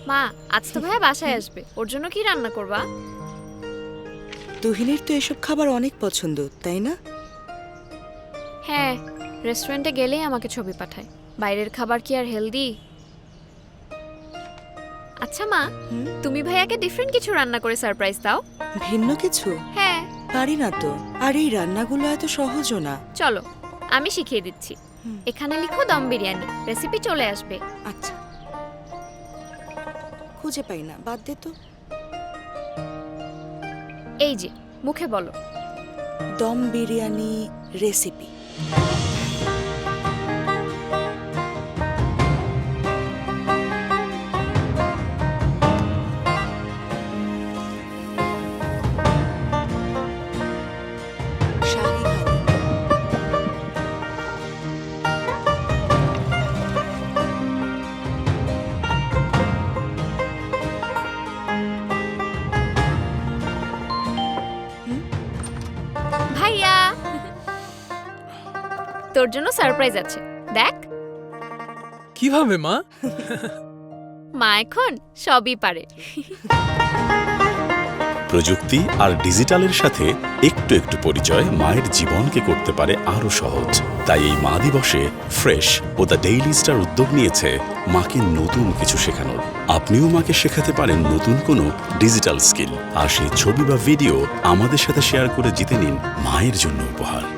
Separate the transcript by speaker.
Speaker 1: মা, আজ তো ভাইয়া বাসায় আসবে, ওর জন্য কি রান্না করবা?
Speaker 2: তুহিনের তো এসব খাবার অনেক পছন্দ, তাই না?
Speaker 1: হ্যাঁ, রেস্টুরেন্টে গেলেই আমাকে ছবি পাঠায়। বাইরের খাবার কি আর হেলদি? আচ্ছা মা, তুমি ভাইয়াকে ডিফারেন্ট কিছু রান্না করে সারপ্রাইজ দাও।
Speaker 2: ভিন্ন কিছু
Speaker 1: হ্যাঁ,
Speaker 2: পারি না তো। আর এই রান্নাগুলো এত সহজও না।
Speaker 1: চলো আমি শিখিয়ে দিচ্ছি। এখানে লিখো দম বিরিয়ানি, রেসিপি চলে আসবে।
Speaker 2: আচ্ছা, খুঁজে পাই না, বাদ দে তো।
Speaker 1: এই যে মুখে বলো।
Speaker 2: দম বিরিয়ানি রেসিপি। শাহী হালিম,
Speaker 1: ভাইয়া, তোর জন্য সারপ্রাইজ আছে, দেখ।
Speaker 3: কিভাবে মা?
Speaker 1: মা এখন সবই পারে।
Speaker 4: প্রযুক্তি আর ডিজিটালের সাথে একটু একটু পরিচয় মায়ের জীবনকে করতে পারে আরো সহজ। তাই এই মা দিবসে ফ্রেশ ও দ্য ডেইলি স্টার উদ্যোগ নিয়েছে মাকে নতুন কিছু শেখানোর। আপনিও মাকে শেখাতে পারেন নতুন কোনো ডিজিটাল স্কিল, আর সেই ছবি বা ভিডিও আমাদের সাথে শেয়ার করে জিতে নিন মায়ের জন্য উপহার।